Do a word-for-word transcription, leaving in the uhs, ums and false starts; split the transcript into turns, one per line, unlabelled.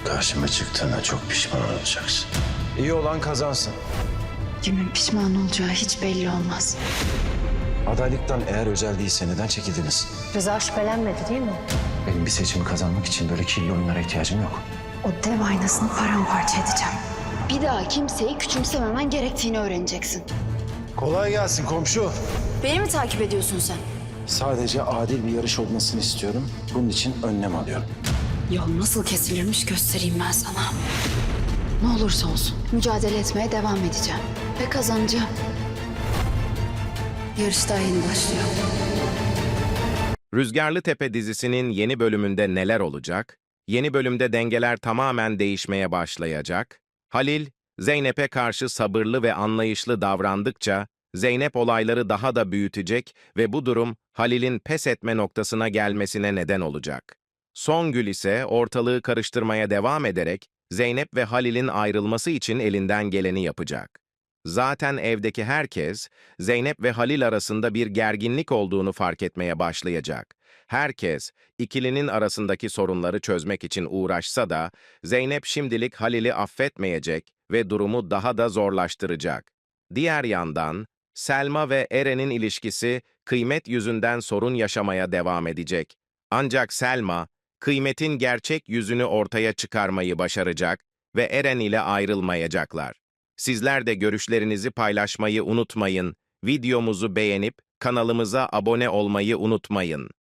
Karşıma çıktığına çok pişman olacaksın.
İyi olan kazansın.
Kimin pişman olacağı hiç belli olmaz.
Adaylıktan eğer özel değilse neden çekildiniz?
Rıza şüphelenmedi değil mi?
Benim bir seçimi kazanmak için böyle kirli oyunlara ihtiyacım yok.
O dev aynasını paramparça edeceğim. Bir daha kimseyi küçümsememen gerektiğini öğreneceksin.
Kolay gelsin komşu.
Beni mi takip ediyorsun sen?
Sadece adil bir yarış olmasını istiyorum. Bunun için önlem alıyorum.
Yol nasıl kesilirmiş göstereyim ben sana. Ne olursa olsun mücadele etmeye devam edeceğim. Ve kazanacağım. Yarış daha yeni başlıyor.
Rüzgarlı Tepe dizisinin yeni bölümünde neler olacak? Yeni bölümde dengeler tamamen değişmeye başlayacak. Halil, Zeynep'e karşı sabırlı ve anlayışlı davrandıkça, Zeynep olayları daha da büyütecek ve bu durum Halil'in pes etme noktasına gelmesine neden olacak. Songül ise ortalığı karıştırmaya devam ederek, Zeynep ve Halil'in ayrılması için elinden geleni yapacak. Zaten evdeki herkes, Zeynep ve Halil arasında bir gerginlik olduğunu fark etmeye başlayacak. Herkes, ikilinin arasındaki sorunları çözmek için uğraşsa da, Zeynep şimdilik Halil'i affetmeyecek ve durumu daha da zorlaştıracak. Diğer yandan, Selma ve Eren'in ilişkisi Kıymet yüzünden sorun yaşamaya devam edecek. Ancak Selma, Kıymet'in gerçek yüzünü ortaya çıkarmayı başaracak ve Eren ile ayrılmayacaklar. Sizler de görüşlerinizi paylaşmayı unutmayın. Videomuzu beğenip kanalımıza abone olmayı unutmayın.